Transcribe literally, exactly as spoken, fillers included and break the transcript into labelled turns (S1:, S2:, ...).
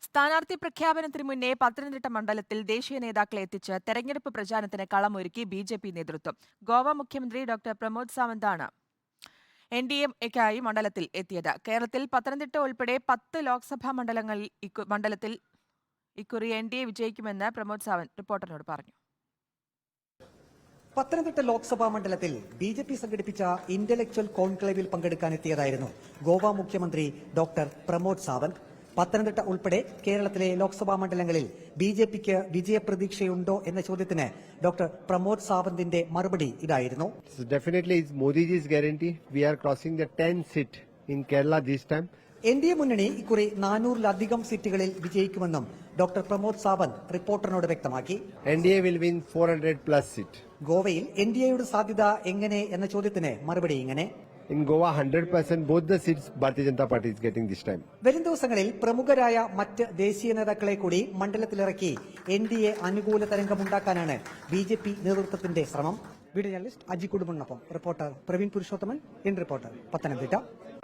S1: സ്ഥാനാർത്ഥി പ്രഖ്യാപനത്തിന് മുന്നേ പത്തനംതിട്ട മണ്ഡലത്തിൽ ദേശീയ നേതാക്കളെ എത്തിച്ച് തെരഞ്ഞെടുപ്പ് പ്രചാരണത്തിന് കളമൊരുക്കി ബി ജെ പി നേതൃത്വം. ഗോവ മുഖ്യമന്ത്രി ഡോക്ടർ പ്രമോദ് സാവന്താണ് എൻ ഡി എക്കായി മണ്ഡലത്തിൽ എത്തിയത്. കേരളത്തിൽ പത്തനംതിട്ട ഉൾപ്പെടെ പത്ത് ലോക്സഭാ മണ്ഡലങ്ങളിൽ മണ്ഡലത്തിൽ ഇക്കുറി എൻ ഡി എ വിജയിക്കുമെന്ന് പ്രമോദ് സാവന്ത് റിപ്പോർട്ടറിനോട് പറഞ്ഞു.
S2: പത്തനംതിട്ട ലോക്സഭാ മണ്ഡലത്തിൽ ബി ജെ പി സംഘടിപ്പിച്ച ഇന്റലക്ച്വൽ കോൺക്ലേവിൽ പങ്കെടുക്കാനെത്തിയതായിരുന്നു ഗോവ മുഖ്യമന്ത്രി ഡോക്ടർ പ്രമോദ് സാവന്ത്. പത്തനംതിട്ട ഉൾപ്പെടെ കേരളത്തിലെ ലോക്സഭാ മണ്ഡലങ്ങളിൽ ബി ജെ പിക്ക് വിജയപ്രതീക്ഷയുണ്ടോ എന്ന ചോദ്യത്തിന് ഡോക്ടർ പ്രമോദ് സാവന്തിന്റെ മറുപടി ഇതായിരുന്നു.
S3: Definitely it's Modi's guarantee. We are crossing the ten seat in Kerala this time.
S2: N D A മുന്നണി ഇക്കുറി നാനൂറിലധികം സീറ്റുകളിൽ വിജയിക്കുമെന്നും ഡോക്ർ പ്രമോദ് സാവന്ത് റിപ്പോർട്ടറിനോട് വ്യക്തമാക്കി.
S3: N D A will win four hundred plus seat.
S2: ഗോവയിൽ എൻ ഡി എയുടെ സാധ്യത എങ്ങനെ എന്ന ചോദ്യത്തിന് മറുപടി ഇങ്ങനെ.
S3: In Goa, one hundred percent both the seats Bharatiya Janata Party is getting this time.
S2: വരും ദിവസങ്ങളിൽ പ്രമുഖരായ മറ്റ് ദേശീയ നേതാക്കളെ കൂടി മണ്ഡലത്തിലിറക്കി എൻ ഡി എ അനുകൂല തരംഗമുണ്ടാക്കാനാണ് ബി ജെ പി നേതൃത്വത്തിന്റെ ശ്രമം. വീഡിയോ ജേർണലിസ്റ്റ് അജി കുടുംബനൊപ്പം reporter Praveen Purushothaman, in reporter, Pathanamthitta.